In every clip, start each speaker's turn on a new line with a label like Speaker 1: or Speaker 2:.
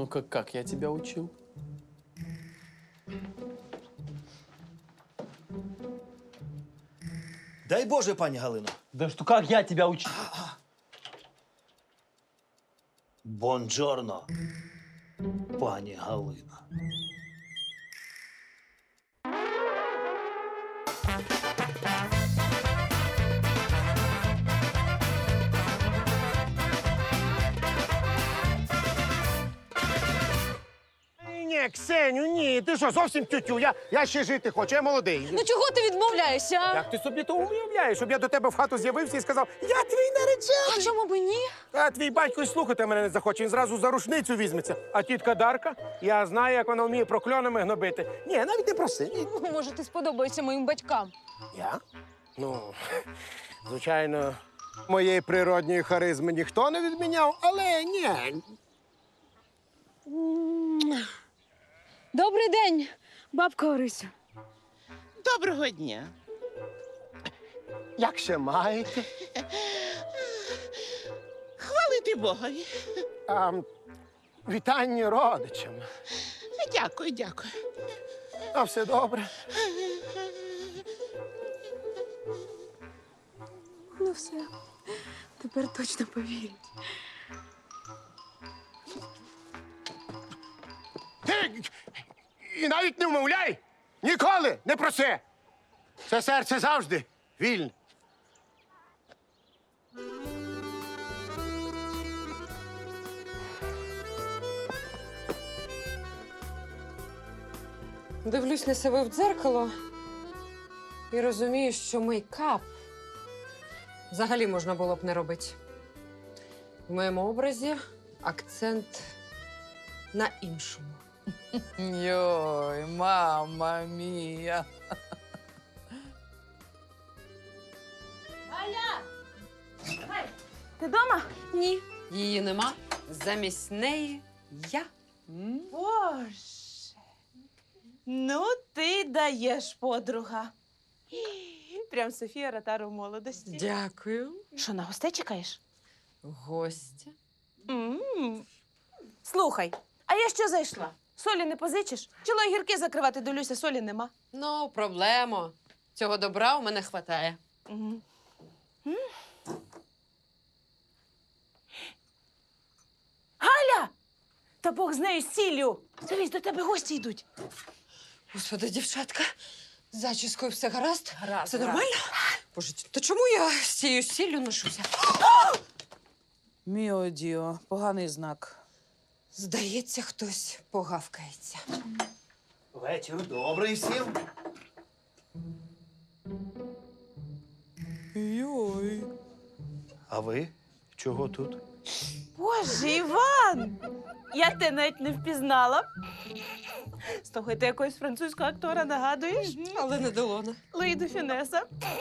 Speaker 1: ну-ка, как я тебя учил?
Speaker 2: Дай Боже, пані Галино.
Speaker 3: Да что, как я тебя учил?
Speaker 2: Бонджорно, пані Галина.
Speaker 4: Ні, Ксеню, ні. Ти що, зовсім тютю? Я ще жити хочу, я молодий.
Speaker 5: Ну чого ти відмовляєшся? а?
Speaker 4: Як ти собі то уявляєш, щоб я до тебе в хату з'явився і сказав, я твій наречений.
Speaker 5: А чому б і ні?
Speaker 4: А твій батько й слухати мене не захоче, він зразу за рушницю візьметься. А тітка Дарка, я знаю, як вона вміє прокльонами гнобити. Ні, навіть не проси. Ні.
Speaker 5: Може, ти сподобаєшся моїм батькам.
Speaker 4: Я? Ну, звичайно, моєї природньої харизми ніхто не відміняв, але ні.
Speaker 5: Добрий день, бабка Орисю.
Speaker 6: Доброго дня.
Speaker 4: Як ще маєте?
Speaker 6: Хвалити Богові.
Speaker 4: Вітання родичам.
Speaker 6: Дякую, дякую.
Speaker 4: А все добре.
Speaker 5: Ну все, тепер точно повірять.
Speaker 4: Ти і навіть не вмовляй! Ніколи не проси! Це серце завжди вільне.
Speaker 7: Дивлюсь на себе в дзеркало і розумію, що мейкап взагалі можна було б не робити. В моєму образі акцент на іншому.
Speaker 1: Йой, мама мія.
Speaker 5: Ти вдома? Ні.
Speaker 7: Її нема, замість неї я.
Speaker 8: Боже, ну ти даєш, подруга. Прям Софія Ротару в молодості.
Speaker 7: Дякую.
Speaker 8: Що, на гостей чекаєш?
Speaker 7: Гостя.
Speaker 8: Слухай, а я що зайшла? Солі не позичиш? Чоло гірки закривати, долюся, солі нема.
Speaker 7: Ну, проблема. Цього добра у мене хватає.
Speaker 8: Мгм. Галя! Та Бог з нею з сіллю. Дивись, до тебе гості йдуть.
Speaker 7: Господи, дівчатка, з зачіскою все гаразд?
Speaker 8: Гаразд,
Speaker 7: Це
Speaker 8: гаразд.
Speaker 7: нормально? Боже, то чому я з цією сіллю ношуся?
Speaker 9: Міо Діо, поганий знак.
Speaker 7: Здається, хтось погавкається.
Speaker 2: Вечір добрий всім.
Speaker 9: Йой.
Speaker 2: А ви чого тут?
Speaker 8: Боже, Іван! Я тебе навіть не впізнала. Слухай, ти якогось французького актора нагадуєш?
Speaker 7: Але не Делона.
Speaker 8: Луї де Фінеса.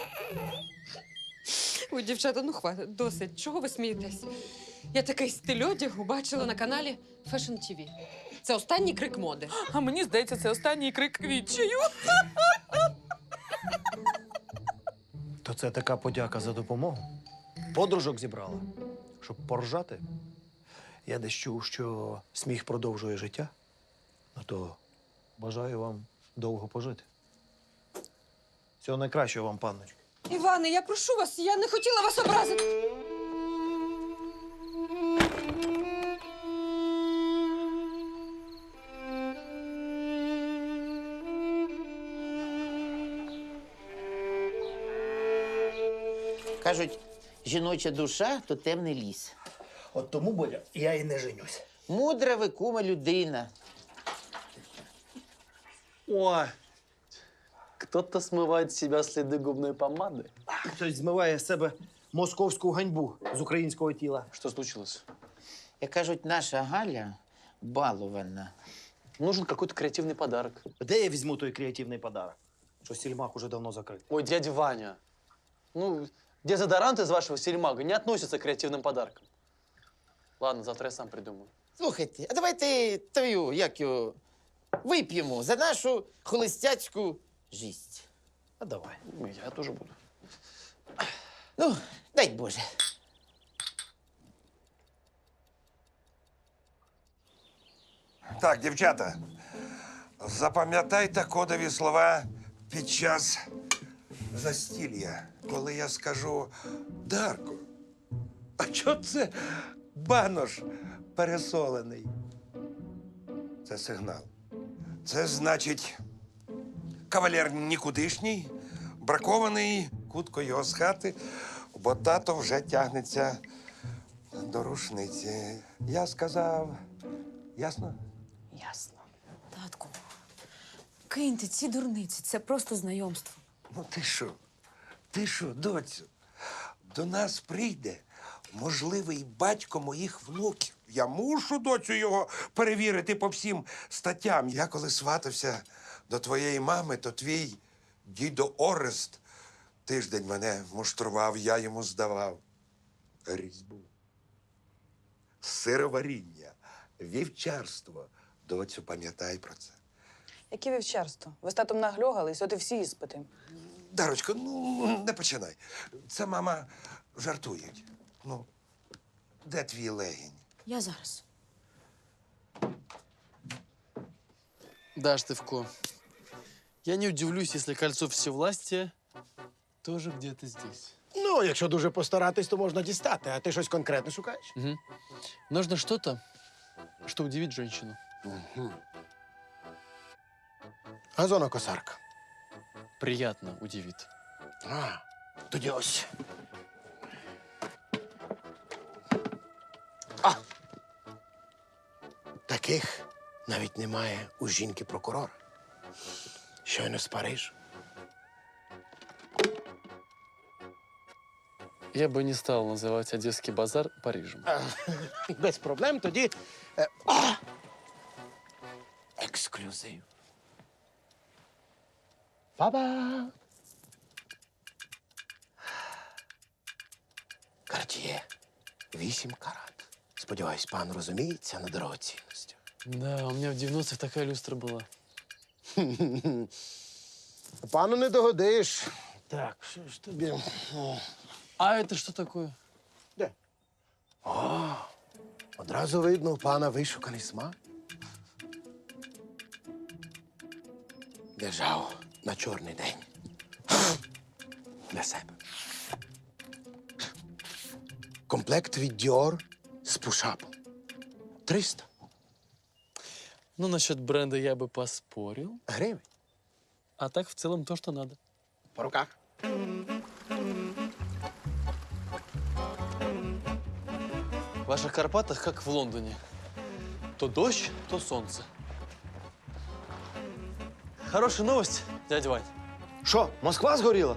Speaker 7: Ой, дівчата, ну хватить, досить. Чого ви смієтесь? Я такий стиль одягу бачила на каналі Fashion TV. Це останній крик моди.
Speaker 9: А мені здається, це останній крик відчаю.
Speaker 2: То це така подяка за допомогу. Подружок зібрала, щоб поржати. Я десь чув, що сміх продовжує життя. Ну то бажаю вам довго пожити. Всього найкращого вам, панночко.
Speaker 7: Іване, я прошу вас, я не хотіла вас образити.
Speaker 6: Кажуть, жіноча душа то темний ліс.
Speaker 2: От тому, Боля, я і не женюсь.
Speaker 6: Мудра ви, кума, людина.
Speaker 3: Ой, кто-то смывает с себя следы губной помады.
Speaker 2: Хтось змиває з себе московську ганьбу з українського тіла.
Speaker 3: Что случилось?
Speaker 6: Як кажуть, наша Галя балована.
Speaker 3: Нужен какой-то креативный подарок.
Speaker 2: Де я візьму той креативний подарок? Що сільмак уже давно закритий.
Speaker 3: Ой, дядя Ваня, ну, дезодорант из вашего сельмага не относится к креативным подаркам. Ладно, завтра я сам придумаю.
Speaker 6: Слухайте, а давайте твою, як його, вип'ємо за нашу холостяцьку жість.
Speaker 2: А давай.
Speaker 3: Я тоже буду.
Speaker 6: Ну, дай Боже.
Speaker 10: Так, дівчата, запам'ятайте кодові слова під час застілля. Коли я скажу Дарко, а чого це банош пересолений? Це сигнал. Це значить, кавалер нікудишній, бракований, кутко його з хати, бо тато вже тягнеться до рушниці. Я сказав, ясно?
Speaker 9: Ясно.
Speaker 5: Татку, киньте ці дурниці, це просто знайомство.
Speaker 10: Ну ти що, доцю? До нас прийде можливий батько моїх внуків. Я мушу, доцю, його перевірити по всім статтям. Я коли сватався до твоєї мами, то твій дідо Орест тиждень мене муштрував, я йому здавав різьбу. Сироваріння, вівчарство. Доцю, пам'ятай про це.
Speaker 11: Яке вівчарство? Ви з татом нагльогались, от і всі іспити.
Speaker 10: Дарочко, ну не починай. Це мама жартують. Ну, де твій легінь?
Speaker 5: Я зараз.
Speaker 3: Да, Штывко, я не удивлюсь, если кольцо всевластия тоже где-то здесь.
Speaker 4: Ну, якщо дуже постаратись, то можна дістати, а ти щось конкретне шукаєш?
Speaker 3: Угу. Нужно что-то, что удивит женщину.
Speaker 4: Газонокосарка.
Speaker 3: Приятно удивит.
Speaker 4: А, тоді ось. Таких навіть немає у жінки-прокурора. Щойно з Парижу.
Speaker 3: Я бы не стал называть Одесский базар Парижем.
Speaker 4: Без проблем тоді. Ексклюзив. Ба-ба! Карт'є. 8 карат. Сподіваюсь, пан розуміється на дорогоцінності.
Speaker 3: Да, у меня в 90-х такая люстра была.
Speaker 4: Пану не догодиш. Так, що ж тобі?
Speaker 3: А это что такое?
Speaker 4: Де? О, одразу видно, у пана вишуканий смак. Держав на чорний день. Для себе. Комплект від Dior з пушапом. 300
Speaker 3: Ну, насчет бренда я бы поспорил.
Speaker 4: гривень.
Speaker 3: А так, в целом, то, что надо.
Speaker 4: По руках.
Speaker 3: В ваших Карпатах, как в Лондоне. То дождь, то солнце. Хорошая новость, дядя Вань.
Speaker 2: Що, Москва згоріла?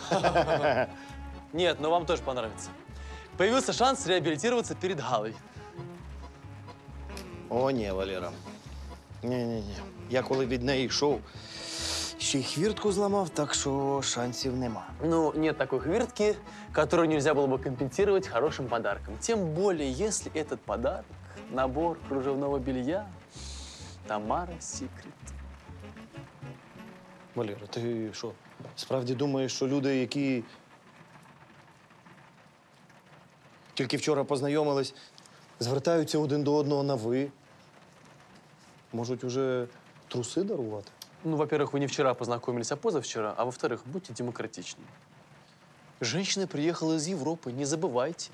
Speaker 3: Нет, но вам тоже понравится. Появился шанс реабилитироваться перед Галой.
Speaker 2: О, ні, Валера. Ні. Я коли від неї йшов, ще й хвіртку зламав, так що шансів нема.
Speaker 3: Ну, нет такой хвиртки, которую нельзя было бы компенсировать хорошим подарком. Тем более, если этот подарок – набор кружевного белья Тамара Секрет.
Speaker 2: Валера, ти що, справді думаєш, що люди, які тільки вчора познайомились, звертаються один до одного на «ви»? Можуть уже труси дарувати?
Speaker 3: Ну, во-первых, вы не вчера познакомились, а позавчера. А во-вторых, будьте демократичнее. Женщина приехала из Европы, не забывайте.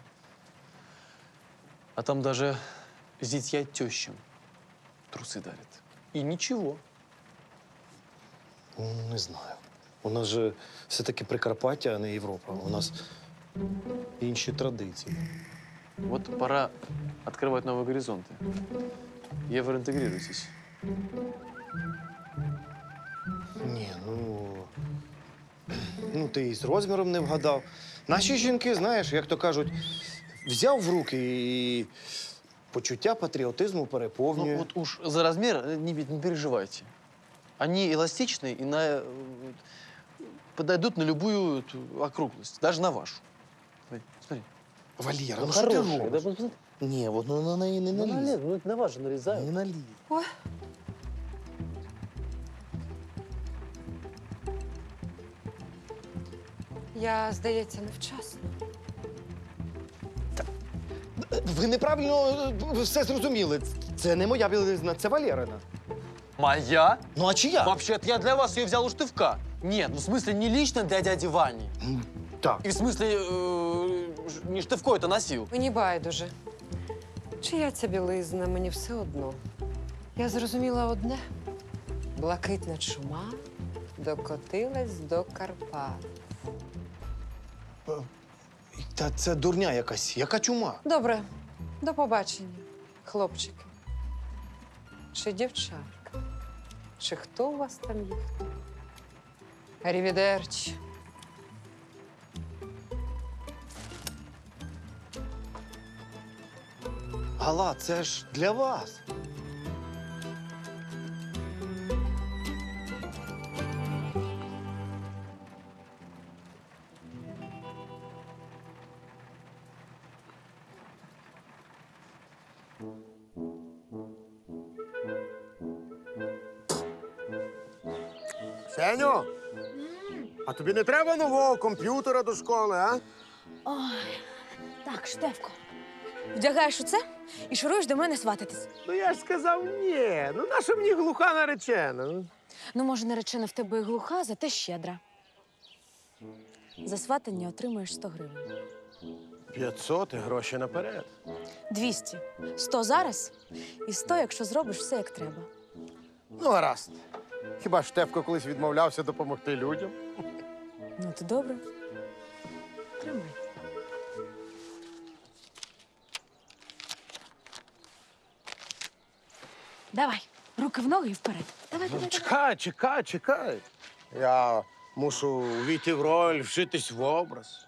Speaker 3: А там даже зятья тещам трусы дарят. И ничего.
Speaker 2: Не знаю. У нас же все-таки Прикарпаття, а не Європа. У нас інші традиції.
Speaker 3: Вот пора открывать новые горизонты. Евроинтегрируйтесь.
Speaker 2: Ні, ну ти і з розміром не вгадав. Наші жінки, знаєш, як то кажуть, взяв в руки і почуття патріотизму переповнює.
Speaker 3: Ну, вот уж за размер не переживайте. Они эластичны и подойдут на любую округлость, даже на вашу. Смотри.
Speaker 2: Валера,
Speaker 3: Ну,
Speaker 2: ну що ти
Speaker 3: хорошая,
Speaker 2: робиш?
Speaker 3: да, посмотри.
Speaker 2: Ні, от ну, на неї не наліз.
Speaker 3: Ну, это на вас же нарезают.
Speaker 2: Не наліз.
Speaker 5: Ой.
Speaker 7: Я, здається, невчасно.
Speaker 12: Ви неправильно все зрозуміли. Це не моя білизна, це Валерина.
Speaker 3: Моя?
Speaker 12: Ну а чия?
Speaker 3: Вообще-то я для вас ее взял у Штывка. Нет, ну в смысле не лично для дяди Вани.
Speaker 12: Так.
Speaker 3: И в смысле не Штывко это носил.
Speaker 7: Мені байдуже. Чия ця білизна, мені все одно. Я зрозуміла одне. Блакитна чума докотилась до Карпат.
Speaker 12: Та це дурня якась. Яка чума?
Speaker 7: Добре, до побачення, хлопчики. Чи дівчатка? Чи хто у вас там є? Арівідерчі.
Speaker 12: Гала, це ж для вас.
Speaker 4: Сеню, а тобі не треба нового комп'ютера до школи, а?
Speaker 5: Ой, так, Штефко, вдягаєш оце і шуруєш до мене свататись.
Speaker 4: Ну я ж сказав ні. Ну наша мені глуха наречена?
Speaker 5: Ну, може, наречена в тебе і глуха, зате щедра. За сватання отримаєш 100 гривень.
Speaker 4: 500 і гроші наперед.
Speaker 5: 200. 100 зараз і 100, якщо зробиш все як треба.
Speaker 4: Ну, гаразд. Хіба Штефко колись відмовлявся допомогти людям?
Speaker 5: Ну, то добре. Тримай. Давай, руки в ноги і вперед. Давай, давай, давай.
Speaker 4: Чекай. Я мушу увійти в роль, вшитись в образ.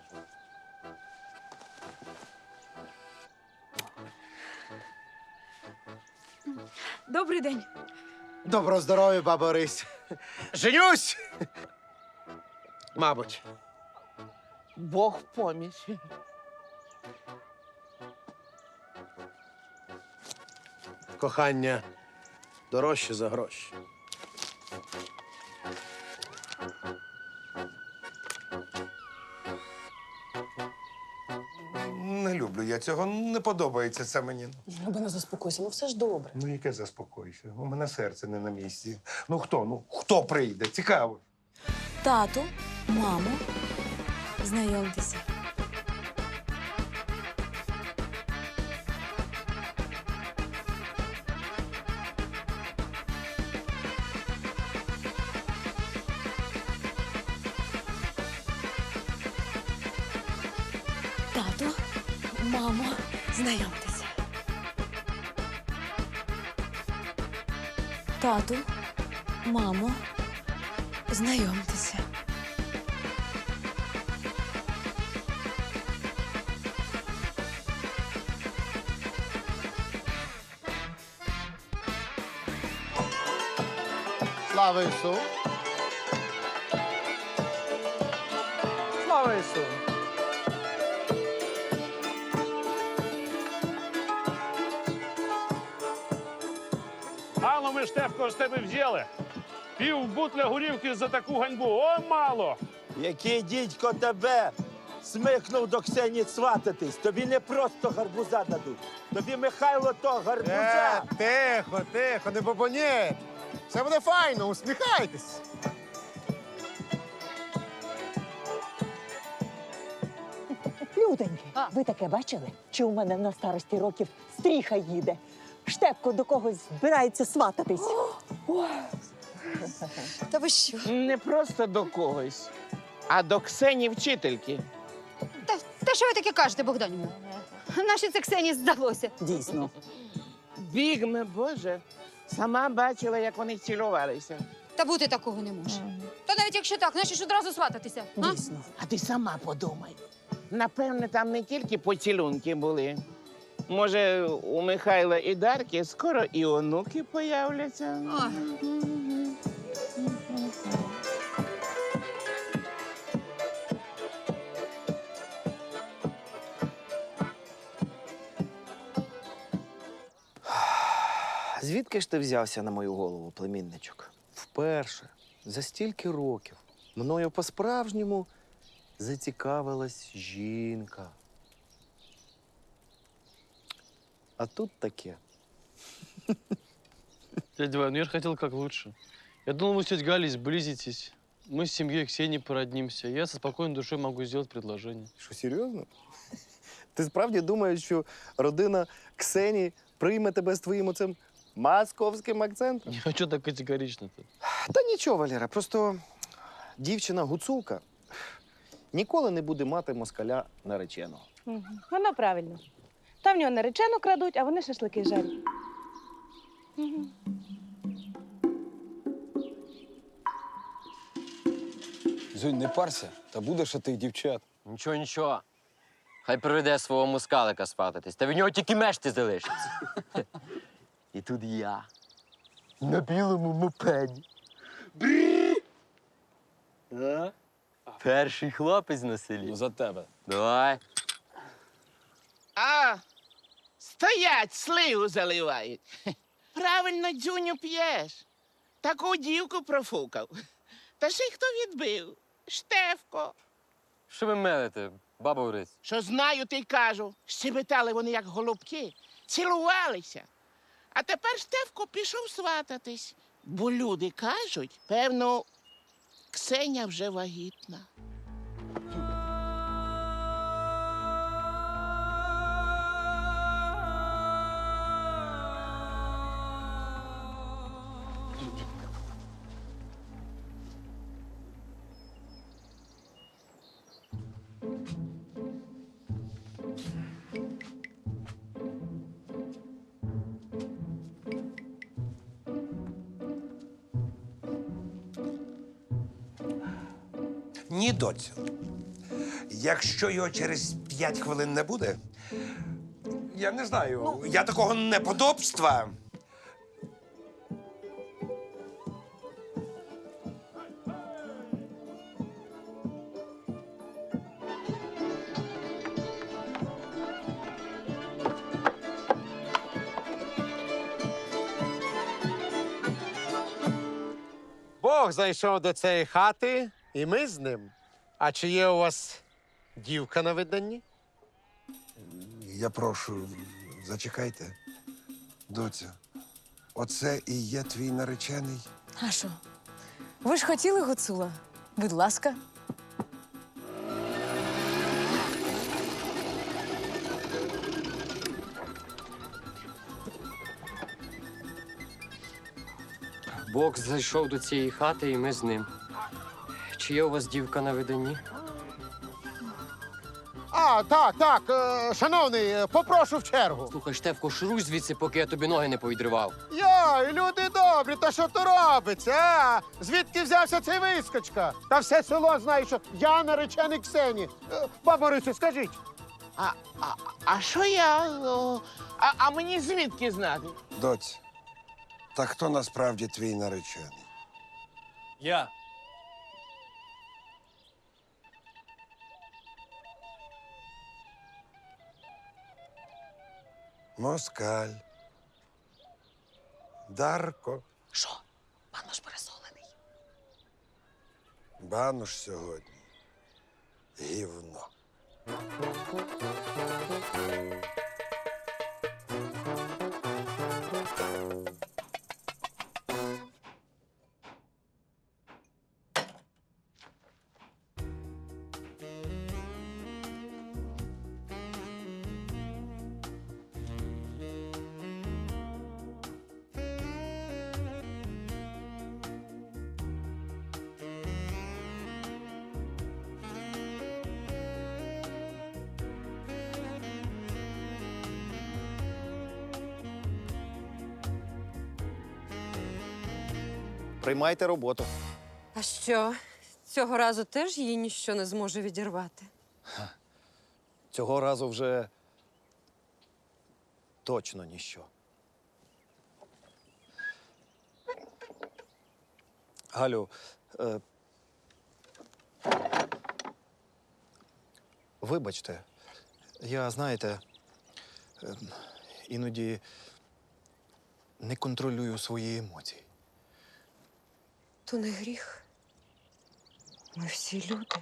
Speaker 5: Добрий день.
Speaker 12: Доброго здоров'я, баба Орись.
Speaker 4: Женюсь! Мабуть.
Speaker 6: Бог в поміч.
Speaker 4: Кохання дорожче за гроші.
Speaker 10: Не люблю я цього, не подобається це мені.
Speaker 11: Любина, заспокойся, ну все ж добре.
Speaker 10: Ну, яке заспокойся? У мене серце не на місці. Ну хто прийде? Цікаво.
Speaker 5: Тату, мамо, знайомтеся. Тату, мамо, знайомтеся. Тату, мамо, знайомтеся.
Speaker 12: Слава Ісу!
Speaker 4: Слава Ісу!
Speaker 13: Мало ми, Штефко, з тебе взяли. Пів бутля горівки за таку ганьбу. О, мало!
Speaker 14: Який дідько тебе смикнув до Ксені свататись? Тобі не просто гарбуза дадуть. Тобі Михайло то гарбуза.
Speaker 4: Тихо, не бобоніть. Все буде файно, усміхайтесь.
Speaker 15: Люденьки, ви таке бачили? Чи у мене на старості років стріха їде? Штепко до когось збирається свататись.
Speaker 6: Та ви що?
Speaker 16: Не просто до когось, а до Ксені вчительки.
Speaker 17: Та що ви таке кажете, Богданівна? Наші це Ксені здалося.
Speaker 15: Дійсно.
Speaker 16: Бігме, Боже, сама бачила, як вони цілувалися.
Speaker 17: Та бути такого не може. Та навіть якщо так, нащо ж одразу свататися?
Speaker 15: Дійсно.
Speaker 16: А ти сама подумай. Напевне, там не тільки поцілунки були. Може, у Михайла і Дарки скоро і онуки появляться.
Speaker 12: Звідки ж ти взявся на мою голову, племінничок? Вперше, за стільки років, мною по-справжньому зацікавилась жінка. А тут таке.
Speaker 3: Дядя Вань, ну я же хотел как лучше. Я думал, вы с тетей Галей сблизитесь. Мы с семьей Ксении породнимся. Я со спокойной душой могу сделать предложение.
Speaker 12: Що, серйозно? Ти справді думаєш, що родина Ксенії прийме тебе з твоїм оцим московським акцентом?
Speaker 3: А что так категорично-то?
Speaker 12: Та нічого, Валера, просто дівчина гуцулка ніколи не буде мати москаля нареченого.
Speaker 8: Воно правильно. Там в нього наречену крадуть, а вони шашлики жарять.
Speaker 18: Зюнь, не парся, та будеш тих дівчат.
Speaker 19: Нічого, нічого. Хай приведе свого мускалика спатитись, та від нього тільки мешти залишиться. І тут я. На білому мопеді. Перший хлопець на селі.
Speaker 18: Ну, за тебе.
Speaker 19: Давай.
Speaker 16: А, стоять, сливу заливають. Правильно, Дзюню, п'єш. Таку дівку профукав. Та ще й хто відбив? Штефко.
Speaker 19: Що ви мелите, баба Орись?
Speaker 16: Що знаю, ти й кажу. Щебетали вони, як голубки, цілувалися. А тепер Штефко пішов свататись. Бо люди кажуть, певно, Ксеня вже вагітна.
Speaker 10: Ні, доцю. Якщо його через 5 хвилин не буде, я не знаю, я такого неподобства.
Speaker 4: Бог зайшов до цієї хати, і ми з ним. А чи є у вас дівка на виданні?
Speaker 10: Я прошу, зачекайте. Доця, оце і є твій наречений?
Speaker 5: А що? Ви ж хотіли гуцула? Будь ласка.
Speaker 19: Бог зайшов до цієї хати, і ми з ним. Чи є у вас дівка на виданні?
Speaker 4: А, так, шановний, попрошу в чергу.
Speaker 19: Слухай, Штефко, шуруй звідси, поки я тобі ноги не повідривав.
Speaker 4: Йой, люди добрі, та що то робиться, а? Звідки взявся цей вискочка? Та все село знає, що я наречений Ксені. Бабо Рисю, скажіть.
Speaker 16: А що я? А мені звідки знати?
Speaker 10: Доць, та хто насправді твій наречений?
Speaker 3: Я.
Speaker 10: Москаль. Дарко.
Speaker 5: Що? Банош пересолений.
Speaker 10: Банош сьогодні. Гівно.
Speaker 12: Приймайте роботу.
Speaker 7: А що? Цього разу теж її ніщо не зможе відірвати.
Speaker 12: Цього разу вже точно ніщо. Галю, вибачте, я, знаєте, іноді не контролюю свої емоції.
Speaker 7: То не гріх. Ми всі люди.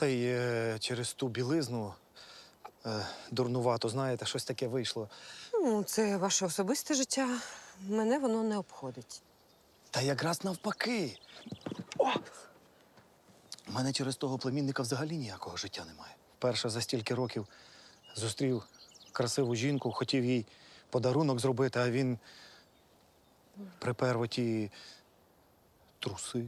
Speaker 12: Та й через ту білизну дурнувато, знаєте, щось таке вийшло.
Speaker 7: Ну, це ваше особисте життя. Мене воно не обходить.
Speaker 12: Та якраз навпаки. О! У мене через того племінника взагалі ніякого життя немає. Вперше за стільки років зустрів красиву жінку, хотів їй подарунок зробити, а він припер оті труси.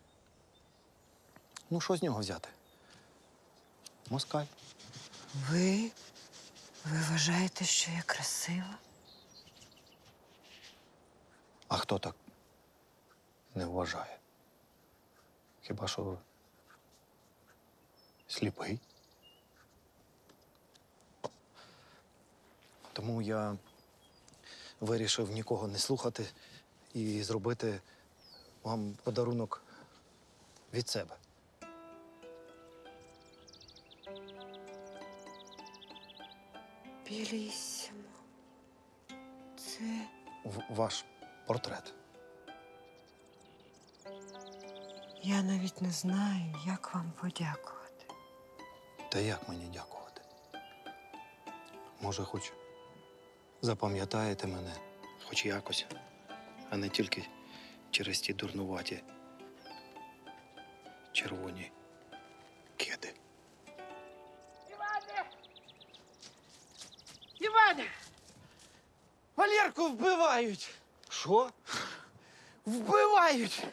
Speaker 12: Ну, що з нього взяти? Москаль.
Speaker 7: Ви вважаєте, що я красива?
Speaker 12: А хто так не вважає? Хіба що сліпий? Тому я вирішив нікого не слухати і зробити вам подарунок від себе.
Speaker 7: Білісімо. Це
Speaker 12: Ваш портрет.
Speaker 7: я навіть не знаю, як вам подякувати.
Speaker 12: Та як мені дякувати? Може, хоч запам'ятаєте мене, хоч якось, а не тільки через ті дурнуваті червоні кеди.
Speaker 6: Іване! Валерку вбивають!
Speaker 12: Що?
Speaker 6: Вбивають!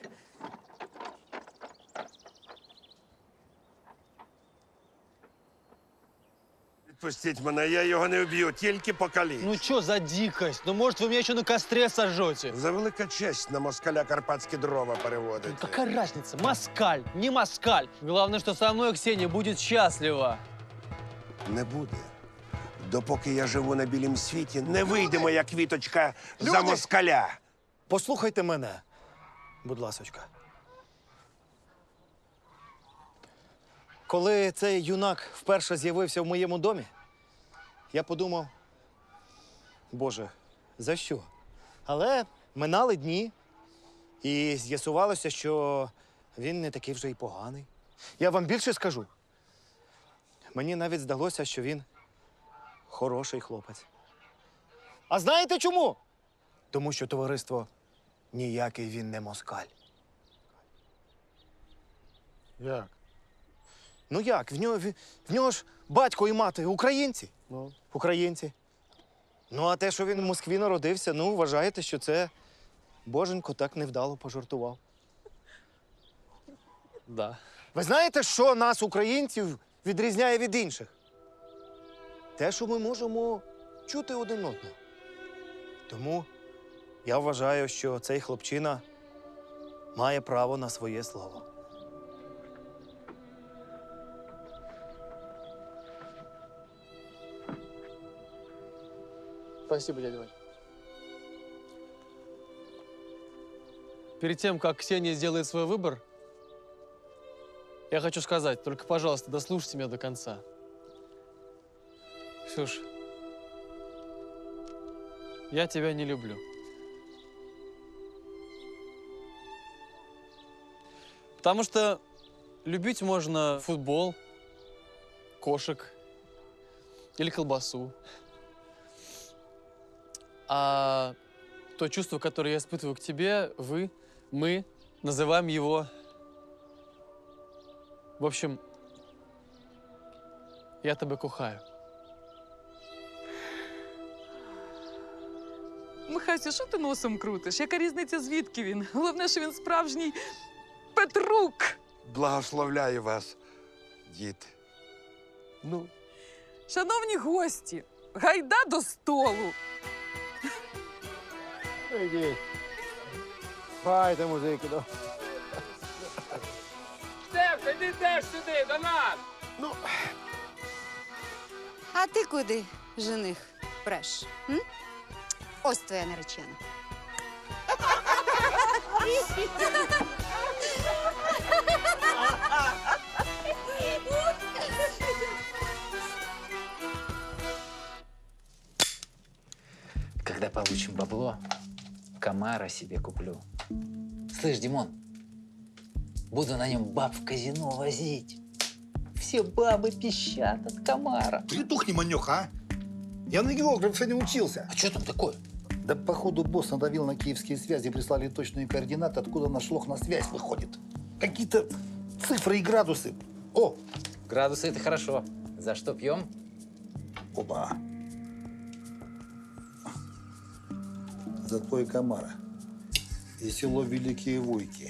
Speaker 10: Відпустіть мене, я його не вб'ю, тільки покалічу.
Speaker 3: Ну что за дикость? Ну, может, вы меня еще на костре сожжете?
Speaker 10: За велика честь на москаля карпатські дрова переводити.
Speaker 3: Ну, какая разница? Москаль, не москаль. Главное, что со мной Ксения будет счастлива.
Speaker 10: Не буде. Допоки я живу на білім світі, не вийде моя квіточка за москаля.
Speaker 12: Послухайте мене, будь ласочка. Коли цей юнак вперше з'явився в моєму домі, я подумав, Боже, за що? Але минали дні, і з'ясувалося, що він не такий вже й поганий. Я вам більше скажу. Мені навіть здалося, що він хороший хлопець. А знаєте чому? Тому що, товариство, ніякий він не москаль.
Speaker 4: Як?
Speaker 12: Ну як? В нього ж батько і мати українці. Українці. Ну, а те, що він в Москві народився, ну, вважаєте, що це Боженько так невдало пожартував.
Speaker 3: Да.
Speaker 12: Ви знаєте, що нас, українців, відрізняє від інших? Те, що ми можемо чути один одного. Тому я вважаю, що цей хлопчина має право на своє слово.
Speaker 3: Спасибо, дядя Вань. Перед тем, как Ксения сделает свой выбор, я хочу сказать, только, пожалуйста, дослушайте меня до конца. Ксюш, я тебя не люблю. Потому что любить можно футбол, кошек или колбасу. А то чувство, которое я испытываю к тебе, мы называем его... В общем, я тебе кохаю.
Speaker 9: Михасю, що ти носом крутиш? Яка різниця, звідки він? Головне, що він справжній Петрук.
Speaker 10: Благословляю вас, діти. Ну.
Speaker 9: Шановні гості, гайда до столу.
Speaker 4: Ідіть. Файте музики.
Speaker 1: Стефка, йди теж сюди, до нас!
Speaker 4: Ну,
Speaker 17: А ти куди, жених, преш? М? Ось твоя наречена.
Speaker 20: Когда получим бабло, Камара себе куплю. Слышь, Димон, буду на нем баб в казино возить. все бабы пищат от комара.
Speaker 21: Ты тухни, манёк, а? Я на географа не учился.
Speaker 20: А что там такое?
Speaker 21: Да походу босс надавил на киевские связи, прислали точные координаты, откуда наш лох на связь выходит. Какие-то цифры и градусы. О!
Speaker 20: Градусы — это хорошо. За что пьем?
Speaker 21: Оба. За твой комара. И село Великие Вуйки.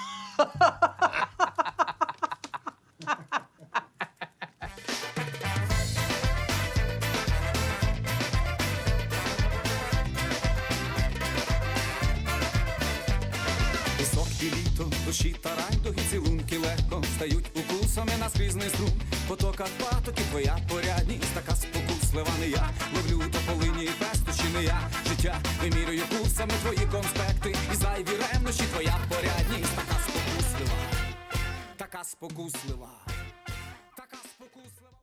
Speaker 22: Високі літо, душі та райдуги, цілунки легко стають укусами на скрізний струм. Потоках патоки твоя порядність, така спокуслива не я. Ловлю тополині і пестощі не я. Життя вимірюю курсами твої конспекти. І зайві ревнощі твоя порядність, така спокуслива, така спокуслива, така спокуслива.